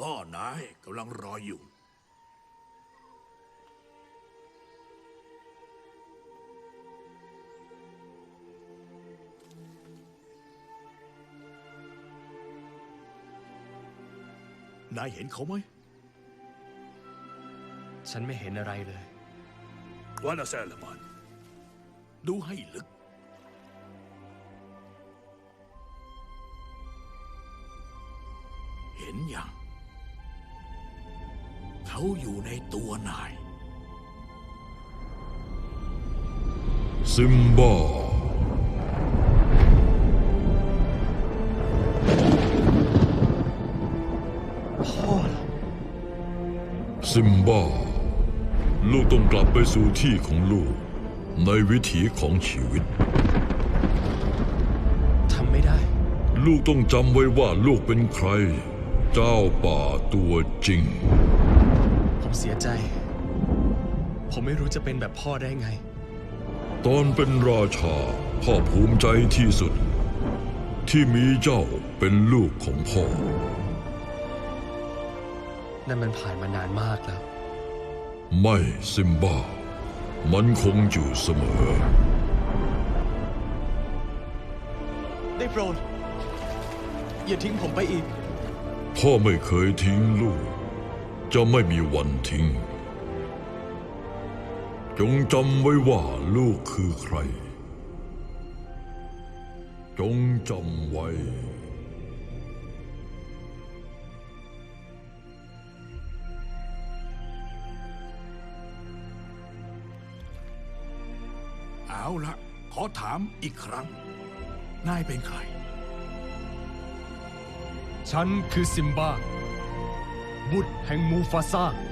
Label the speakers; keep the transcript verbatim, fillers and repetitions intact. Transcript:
Speaker 1: พ่อนายกำลังรออยู่นายเห็นเขาไหม
Speaker 2: ฉันไม่เห็นอะไรเลยว
Speaker 1: านาแซลมันดูให้ลึกเห็นอย่างเขาอยู่ในตัวนาย
Speaker 3: ซิมบ้า
Speaker 2: พ่อเหรอ
Speaker 3: ซิมบ้าลูกต้องกลับไปสู่ที่ของลูกในวิถีของชีวิต
Speaker 2: ทำไม่ได้
Speaker 3: ลูกต้องจำไว้ว่าลูกเป็นใคร เจ้าป่าตัวจริง
Speaker 2: ผมเสียใจ ผมไม่รู้จะเป็นแบบพ่อได้ไง
Speaker 3: ตอนเป็นราชาพ่อภูมิใจที่สุด ที่มีเจ้าเป็นลูกของพ่อ
Speaker 2: นั่นมันผ่านมานานมากแล้ว
Speaker 3: ไม่ซิมบ้ามันคงอยู่เสมอ
Speaker 2: ได้โปรด อย่าทิ้งผมไปอีก
Speaker 3: พ่อไม่เคยทิ้งลูก จะไม่มีวันทิ้ง จงจำไว้ว่าลูกคือใคร จงจำไว้
Speaker 1: เอาละขอถามอีกครั้ง นายเป็นใคร
Speaker 2: ฉันคือซิมบ้า บุตรแห่งมูฟาซา